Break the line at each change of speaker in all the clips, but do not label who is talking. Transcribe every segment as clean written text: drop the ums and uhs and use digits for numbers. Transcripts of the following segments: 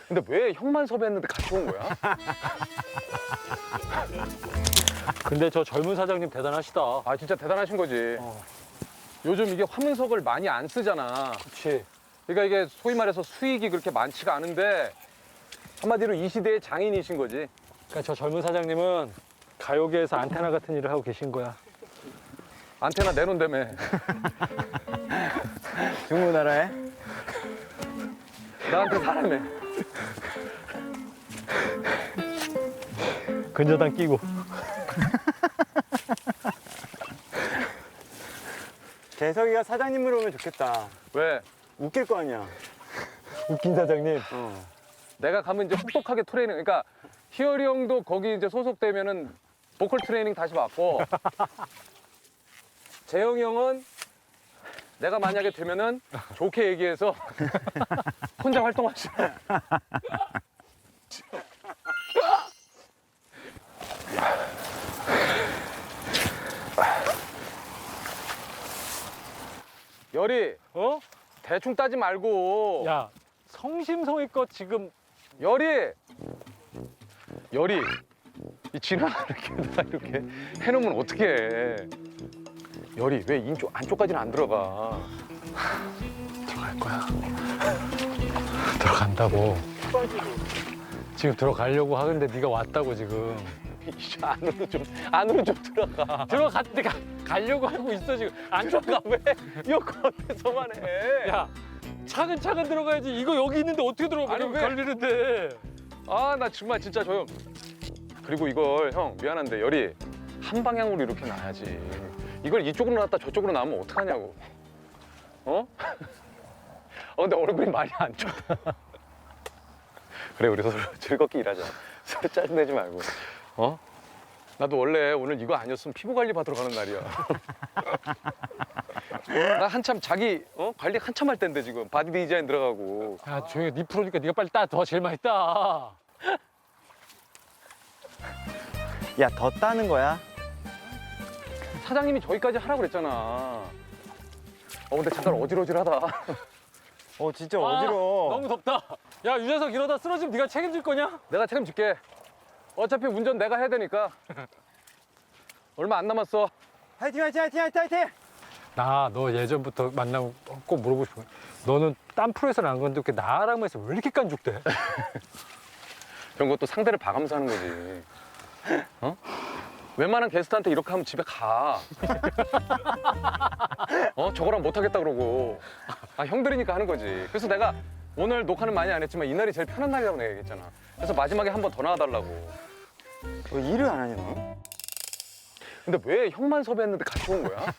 근데 왜 형만 섭외했는데 같이 온 거야?
근데 저 젊은 사장님 대단하시다.
아 진짜 대단하신 거지. 요즘 이게 화문석을 많이 안 쓰잖아.
그렇지.
그러니까 이게 소위 말해서 수익이 그렇게 많지가 않은데 한마디로 이 시대의 장인이신 거지.
그러니까 저 젊은 사장님은 가요계에서 안테나 같은 일을 하고 계신 거야.
안테나 내놓은다며.
중고나라에?
나한테 사람해.
근저당 끼고.
재석이가 사장님으로 오면 좋겠다.
왜?
웃길 거 아니야.
웃긴 사장님.
내가 가면 이제 혹독하게 트레이닝. 그러니까 희열이 형도 거기 이제 소속되면은 보컬 트레이닝 다시 받고 재영이 형은 내가 만약에 되면은 좋게 얘기해서 혼자 활동하시라. 열이
어?
대충 따지 말고.
야, 성심성의껏 지금
열이 이 진화 이렇게 해놓으면 어떻게 해? 열이 왜 안쪽까지는 안 들어가?
들어갈 거야. 들어간다고. 지금 들어가려고 하는데 네가 왔다고 지금.
이씨, 안으로 좀 들어가.
가려고 하고 있어 지금. 안
들어가 왜? 이거 겉에서만 해.
야, 차근차근 들어가야지. 이거 여기 있는데 어떻게 들어가?
아니, 왜?
걸리는데.
아 나 정말 진짜 저 형. 그리고 이걸 형 미안한데 열이 한 방향으로 이렇게 놔야지. 이걸 이쪽으로 놨다 저쪽으로 놔면 어떡하냐고. 어? 근데 얼굴이 많이 안 좋다. 그래 우리 서로 즐겁게 일하자. 서로 짜증내지 말고. 어? 나도 원래 오늘 이거 아니었으면 피부 관리 받으러 가는 날이야. 나 한참 자기 관리 한참 할 때인데 지금 바디 디자인 들어가고.
야, 조용히 네 프로니까 네가 빨리 따. 더 제일 많이 따.
야, 더 따는 거야?
사장님이 저기까지 하라고 그랬잖아. 근데 잠깐 어질어질하다.
진짜 어지러워.
너무 덥다. 야, 유재석 이러다 쓰러지면 네가 책임질 거냐?
내가 책임질게. 어차피 운전 내가 해야 되니까. 얼마 안 남았어.
화이팅, 화이팅, 화이팅, 화이팅, 화이팅!
나 너 예전부터 만나고 꼭 물어보고 싶은 거야. 너는 딴 프로에서는 안 건데 나랑 해서 왜 이렇게 깐죽대?
그런 것도 상대를 봐가면서 하는 거지. 어? 웬만한 게스트한테 이렇게 하면 집에 가. 저거랑 못하겠다 그러고. 형들이니까 하는 거지. 그래서 내가 오늘 녹화는 많이 안 했지만 이날이 제일 편한 날이라고 내가 얘기했잖아. 그래서 마지막에 한 번 더 나와달라고.
왜 일을 안 하냐, 너?
근데 왜 형만 섭외했는데 같이 온 거야?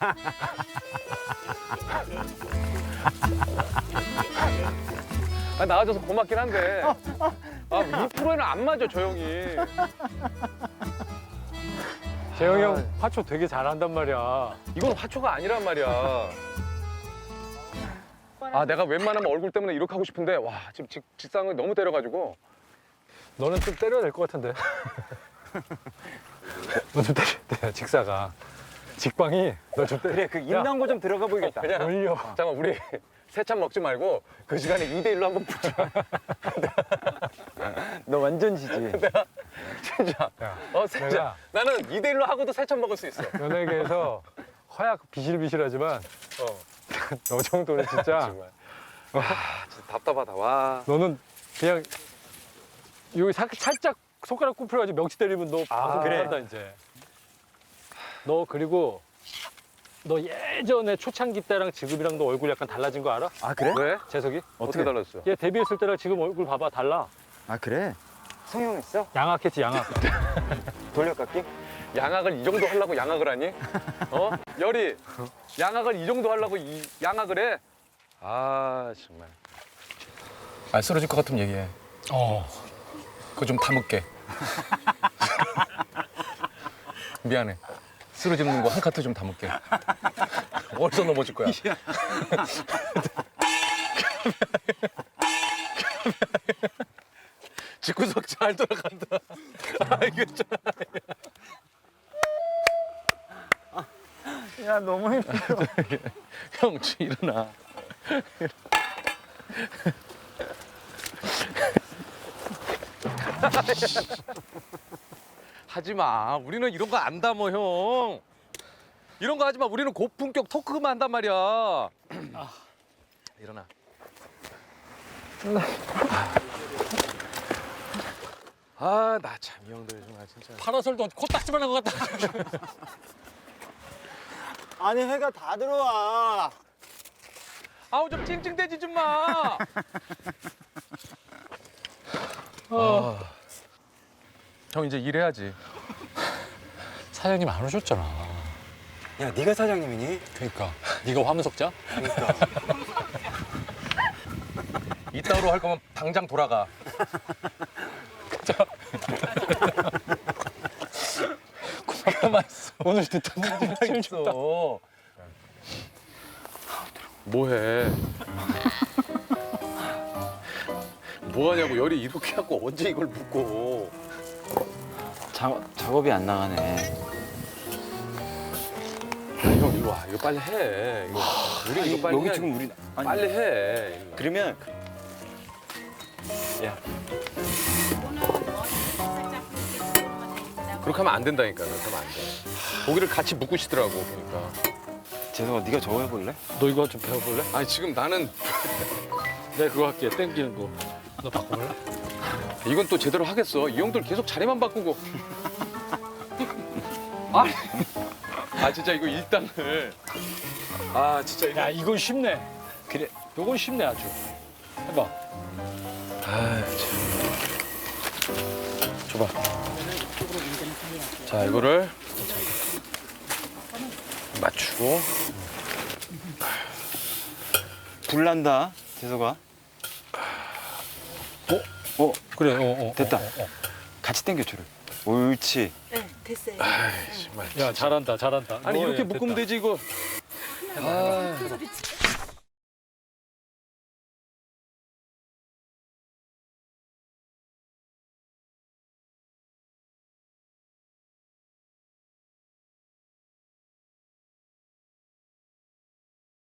나와줘서 고맙긴 한데 이 프로에는 안 맞아 저 형이.
재영이 형 화초 되게 잘한단 말이야.
이건 화초가 아니란 말이야. 내가 웬만하면 얼굴 때문에 이렇게 하고 싶은데 와 지금 직상을 너무 때려가지고.
너는 좀 때려야 될 것 같은데. 너 좀 때려야 돼, 직사가. 직방이 너 좀 때려.
그래, 그 인당고 좀 들어가 보이겠다.
그냥
올려.
잠깐만 우리 새참 먹지 말고 그 시간에 2대1로 한번 붙자.
너 완전 지지.
진짜.
야,
진짜.
내가
나는 2대1로 하고도 새참 먹을 수 있어.
연예계에서 허약 비실비실하지만 너 정도는 진짜
정말. 진짜 답답하다. 와.
너는 그냥 여기 살짝 손가락 굽혀가지고 명치 때리면 너 방송
그래.
못한다 이제. 너 그리고 너 예전에 초창기 때랑 지금이랑 너 얼굴 약간 달라진 거 알아?
아, 그래?
왜?
재석이?
어떻게 달랐어?
얘 데뷔했을 때랑 지금 얼굴 봐봐 달라.
아, 그래? 성형했어?
양악했지 양악.
돌려깎기?
양악을 이 정도 하려고 양악을 하니? 열이 양악을 이 정도 하려고 양악을 해? 정말. 쓰러질 것 같으면 얘기해. 그거 좀 담을게. 미안해. 쓰러지는 거 한 카트 좀 담을게. 어디서 넘어질 거야? 집구석 잘 돌아간다. 이거 좀.
야, 너무 힘들어.
형, 일어나. 하지 마. 우리는 이런 거 안 담어, 형. 이런 거 하지 마. 우리는 고품격 토크만 한단 말이야. 일어나. 아, 나 참 이 형들 정말 진짜.
파라솔도 코딱지만 한 것 같다.
아니 해가 다 들어와.
아우 좀 찡찡대지 좀 마. 형 이제 일해야지.
사장님 안 오셨잖아.
야 네가 사장님이니?
그러니까 네가 화문석자?
이따로 할 거면 당장 돌아가.
가만 있어. 오늘 듣던
가만 있어. 뭐해? 뭐하냐고 열이 이렇게 하고 언제 이걸 묶어?
작업이 안 나가네.
아니, 형 이거 와 이거 빨리 해. 이거 우리 이거 빨리
여기
해.
지금 우리 아니,
빨리 해. 이거.
그러면 야
그렇게 하면 안 된다니까. 그렇게 하면 안 돼. 고기를 같이 묶으시더라고 그러니까.
재석아 네가 저거 해볼래?
너 이거 좀 배워볼래?
아니 지금 나는
내가 그거 할게. 땡기는 거. 너 바꿔볼래?
이건 또 제대로 하겠어. 이 형들 계속 자리만 바꾸고. 아 진짜 이거 일당을. 아 진짜 이거.
야 이건 쉽네.
그래.
요건 쉽네 아주. 해봐.
아 참. 줘봐. 자 이거를 맞추고.
불 난다 재석아.
그래.
됐다. 같이 당겨 줄을. 옳지.
네, 됐어요.
아이 정말.
야 잘한다.
아니
너,
이렇게
야,
묶으면
됐다.
되지 이거. 아.
소리 치-